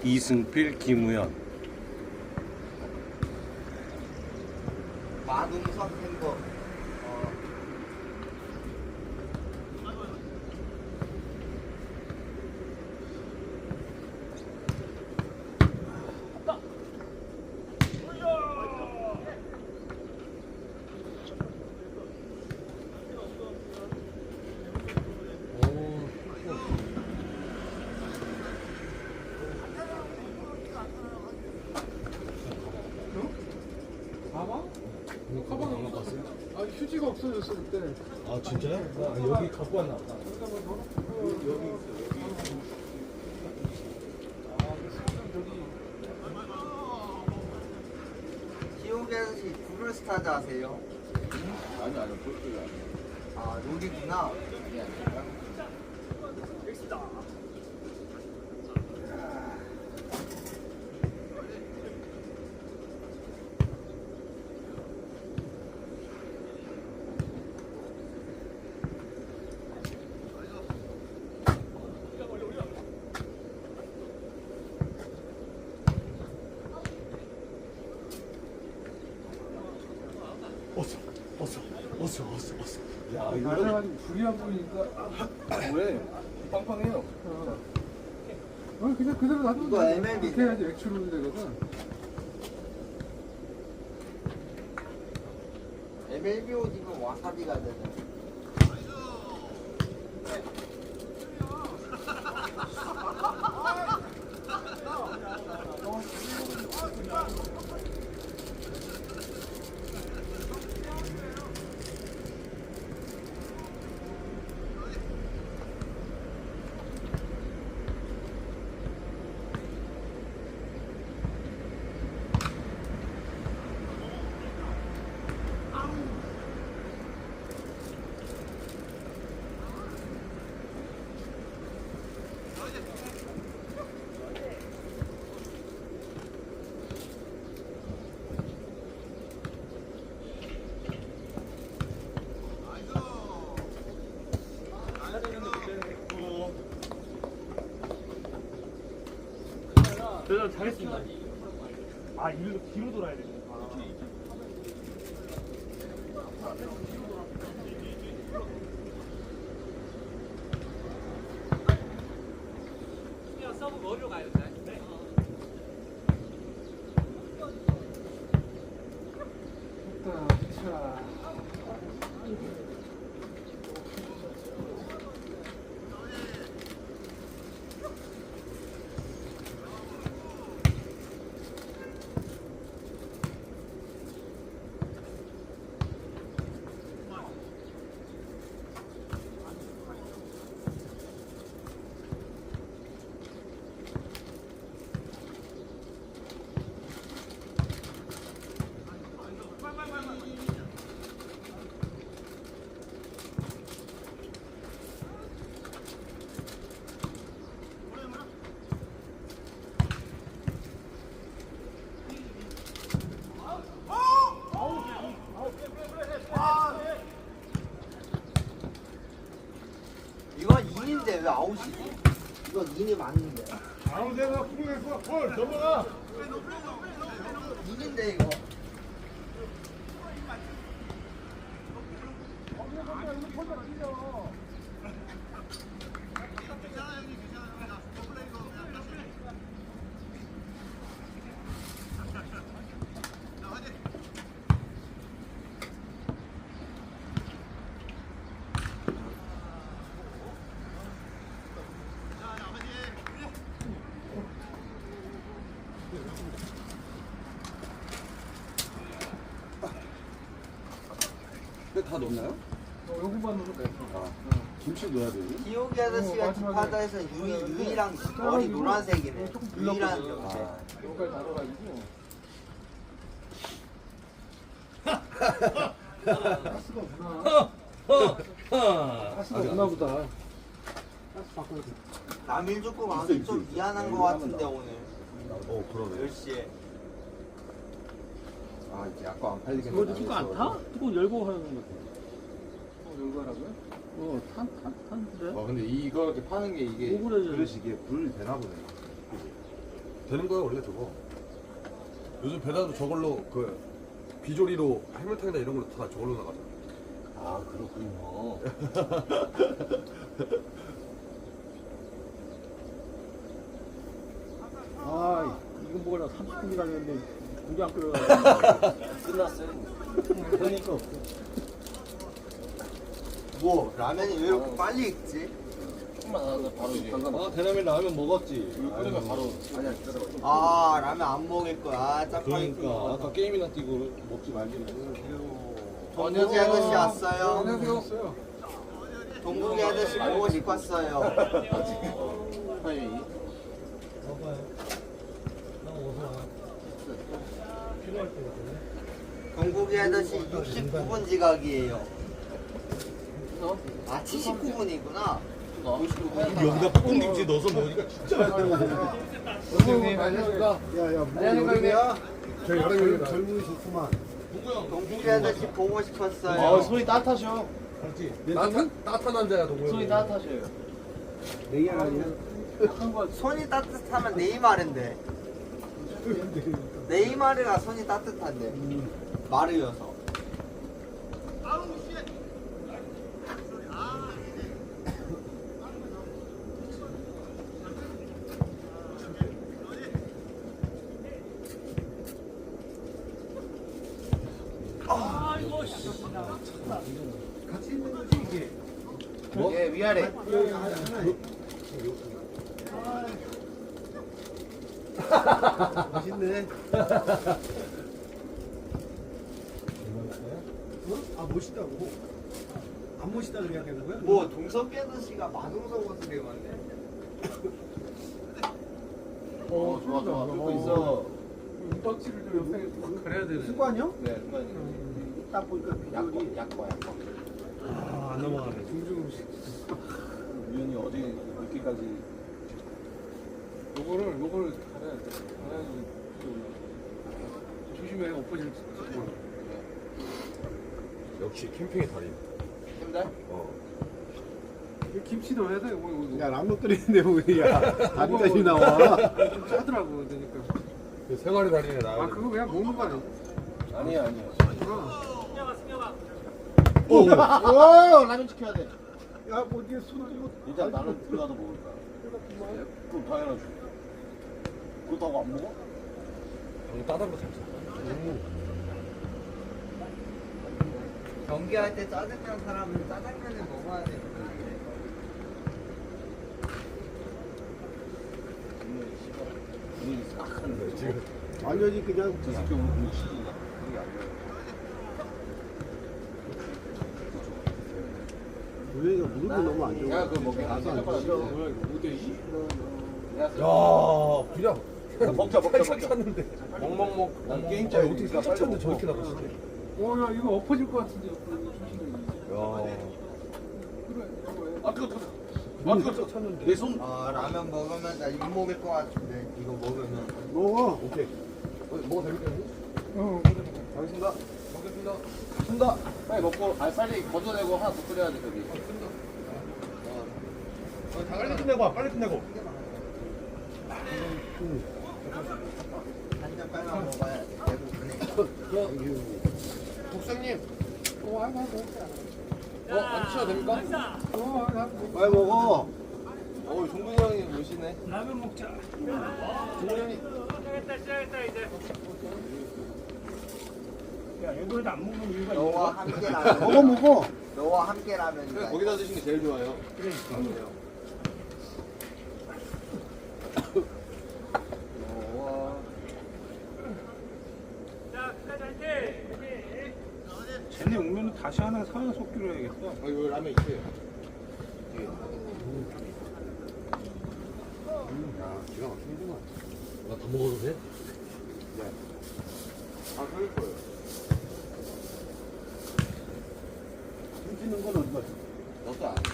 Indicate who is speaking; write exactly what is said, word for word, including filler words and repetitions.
Speaker 1: 이승필, 김우현.
Speaker 2: 마동석 햄버. 어.
Speaker 3: 가방 안 갖고 아 휴지가 없어졌어 그때.
Speaker 1: 아 진짜요? 아, 여기 갖고 왔나 보다.
Speaker 3: 여기
Speaker 2: 지옥의 아저씨 브루스타즈 아세요?
Speaker 4: 아니 아니 그렇게 아니야.
Speaker 2: 아 롤이구나.
Speaker 1: 어서, 어서, 어서, 어서, 어서. 야, 이거
Speaker 3: 낮아가지고 불이 안 보이니까.
Speaker 4: 왜? 빵빵해요.
Speaker 3: 어. 어 그냥 그대로 놔두면
Speaker 2: 이거
Speaker 3: 돼.
Speaker 2: 엠엘비.
Speaker 3: 이렇게 해야지 액출로 되거든.
Speaker 2: 엠엘비 옷 입으면 와사비가 되네.
Speaker 5: 저 잘했습니다. 아, 일로 뒤로 돌아야 되네. 그냥 서브 머리로 가야 돼.
Speaker 3: 좋다. 자.
Speaker 2: 이건 인인데 왜 아웃이지? 이건 인이 맞는데.
Speaker 4: 아무데나 쿵했어. 헐 저거가.
Speaker 2: 인인데 이거.
Speaker 4: 근데 다 넣나요?
Speaker 3: 어, 요거만 넣으면 돼.
Speaker 4: 아 김치 넣어야 되니?
Speaker 2: 기옥이 아저씨가
Speaker 3: 어, 마지막에.
Speaker 2: 집하다에서 유이, 유이랑 머리 노란색이네.
Speaker 3: 조금
Speaker 2: 유이랑
Speaker 3: 불렀거든.
Speaker 2: 염색.
Speaker 4: 아.
Speaker 3: 요거까지 달아가지고. 가스가 없나? 가스가 없나 보다. 가스 바꿔야 돼.
Speaker 2: 남일 죽고
Speaker 4: 있어,
Speaker 2: 마음이
Speaker 4: 있어,
Speaker 2: 좀
Speaker 4: 있어.
Speaker 2: 미안한
Speaker 4: 여기
Speaker 2: 거
Speaker 4: 하면
Speaker 2: 같은데
Speaker 4: 나와.
Speaker 2: 오늘
Speaker 4: 어 그러네.
Speaker 2: 열 시에.
Speaker 4: 아 이제 아까 안 팔리겠네.
Speaker 5: 이거 뚜껑 안 타? 뚜껑 열고 하는 거 같아.
Speaker 3: 어, 열고 하라고요?
Speaker 5: 어, 탄, 탄, 탄데?
Speaker 4: 어 근데 이거 이렇게 파는 게 이게
Speaker 5: 오그라져.
Speaker 4: 그릇이 이게 불 되나 보네.
Speaker 6: 되는 거예요 원래 저거. 요즘 배달도 저걸로 그 비조리로 해물탕이나 이런 걸로 다 저걸로 나가잖아.
Speaker 1: 아 그렇군요.
Speaker 3: 아, 이거 먹으려 삼십 분이 걸렸는데 고기 안 끓여가지고.
Speaker 1: 끝났어요. 그러니까
Speaker 2: 뭐 라면이 왜 이렇게 빨리 익지?
Speaker 1: 조금만 하다 바로 이제.
Speaker 4: 아 대남에 라면 먹었지.
Speaker 1: 이거 끓이면 바로. 아니야 기다려.
Speaker 2: 아 라면 안 먹을 거야. 아, 짜파게티.
Speaker 4: 그러니까 아까 게임이나 뛰고 먹지 말기로.
Speaker 2: 동국이 아저씨 왔어요.
Speaker 3: 안녕하세요.
Speaker 2: 동국이 아저씨 보고 싶었어요.
Speaker 1: 아니.
Speaker 2: 동국이 아저씨 육십구 분 지각이에요. 아 칠십구 분이구나.
Speaker 1: 여기다 뽕김치 넣어서 먹으니까 진짜 맛있다.
Speaker 3: 선생님, 안녕하십니까.
Speaker 4: 야야
Speaker 3: 안녕하십니까.
Speaker 4: 저희 여름이 젊은이 좋구만.
Speaker 2: 동국이 아저씨 보고 싶었어요.
Speaker 5: 아 손이 따뜻하셔.
Speaker 6: 따뜻한 따뜻한 남자야 동호형.
Speaker 5: 손이 따뜻하셔요.
Speaker 4: 내일 아니야?
Speaker 2: 손이 따뜻하면 네이마르인데. 네이마르가 손이 따뜻한데. 마르여서.
Speaker 4: 같이 있는 거지 이게.
Speaker 2: 뭐? 예 위아래.
Speaker 4: 맛있네. 어? 아 멋있다고? 안 멋있다 그래야 되는 거야?
Speaker 2: 뭐 동석이 아저씨가 마동석 옷을 입었네.
Speaker 1: 어 좋아 좋아. 그거 있어.
Speaker 3: 은박지를 좀 옆에 좀 가려야 되네.
Speaker 4: 습관이요?
Speaker 1: 네 순간이.
Speaker 4: 딱 보니까
Speaker 1: 약과
Speaker 4: 비주얼이
Speaker 1: 약과 약과.
Speaker 4: 아안 넘어가네.
Speaker 3: 중중 음식.
Speaker 1: 유연이 어제 늦게까지.
Speaker 3: 요거를 요거를 갈아야 돼. 갈아야지. 조심해 엎어질 수 있어.
Speaker 6: 역시 캠핑의 달인.
Speaker 1: 힘들?
Speaker 6: 어.
Speaker 3: 이거 김치 넣어야 돼. 이거 이거.
Speaker 4: 야 라면 끓이는데 뭐야? 다리까지 나와.
Speaker 3: 좀 짜더라고 그러니까.
Speaker 6: 그 생활의 달인에 나와.
Speaker 3: 아 그거 그냥 먹는 거 아니야?
Speaker 1: 아니야 아니야.
Speaker 4: 오!
Speaker 1: 오 라면 지켜야 돼.
Speaker 4: 야, 뭐 뒤에 손을 이거.
Speaker 1: 일단 나는 들어가서 먹을 거야. 그럼 당연하지. 그렇다고 안 먹어?
Speaker 6: 방금 따뜻한 거잘 써.
Speaker 2: 경기할 때 짜장면 사람은 짜장면을 먹어야 돼.
Speaker 1: 분위기 싹 하는데
Speaker 6: 지금
Speaker 4: 완전히 그냥
Speaker 1: 저 새끼 오늘 분위기 시킨다. 그게 안 돼.
Speaker 4: 우리가 무릎이 너무 안 좋아.
Speaker 1: 야, 그거 먹게. 아, 생각보다 싫어.
Speaker 3: 뭐야 이거 오 대 이?
Speaker 6: 야 그냥
Speaker 1: 먹자, 먹자,
Speaker 6: 살짝
Speaker 1: 먹자.
Speaker 6: 찼는데.
Speaker 1: 먹먹먹. 난
Speaker 6: 아,
Speaker 1: 게임짜리.
Speaker 6: 어떻게 살짝 찼는데 저렇게 나가시네.
Speaker 3: 어야 이거 엎어질 것 같은데. 조심해.
Speaker 6: 야.
Speaker 3: 그래 이거 해.
Speaker 1: 아, 뜨거, 뜨거.
Speaker 6: 아 그거 찼는데.
Speaker 1: 내 손.
Speaker 2: 아 라면 먹으면 나 욕 먹을 것 같은데 이거 먹으면.
Speaker 4: 먹어.
Speaker 6: 오케이. 어, 먹어도 됩니까?
Speaker 3: 어.
Speaker 6: 알겠습니다. 먹겠습니다.
Speaker 1: 쓴다. 빨리 먹고, 아, 빨리 걷어내고 하나 더 끓여야 돼, 저기.
Speaker 6: 빨리 끝내고 와. 빨리 끝내고.
Speaker 2: 한잔 빨리 먹어야 돼. 배고프네.
Speaker 6: 국장님.
Speaker 3: 어 아이고 아이고.
Speaker 6: 어 앉으셔도 됩니까?
Speaker 3: 어 아이고.
Speaker 4: 빨리 먹어.
Speaker 1: 어, 종근이 형이 오시네.
Speaker 5: 라면 먹자.
Speaker 6: 종훈이 형이.
Speaker 5: 시작했다 시작했다 이제. 야 얘도 안 먹는 이유가
Speaker 2: 너와
Speaker 5: 있어?
Speaker 2: 함께 라면.
Speaker 4: 먹어 먹어.
Speaker 2: 너와 함께 라면.
Speaker 1: 그래, 거기다 드시는 게 제일 좋아요.
Speaker 5: 그러니까.
Speaker 1: 어,
Speaker 5: 자 끝까지 화이팅. 쟤네 오면은 다시 하나 사연 속기로 해야겠다.
Speaker 1: 와. 이거 라면 있어요. 뒤에.
Speaker 4: 야, 기가 막히는구만.
Speaker 6: 나 다 먹어도 돼?
Speaker 1: 아, 그럴 거예요.
Speaker 4: 숨 쉬는 건 어디 갔어?
Speaker 1: 넣었어, 안 돼.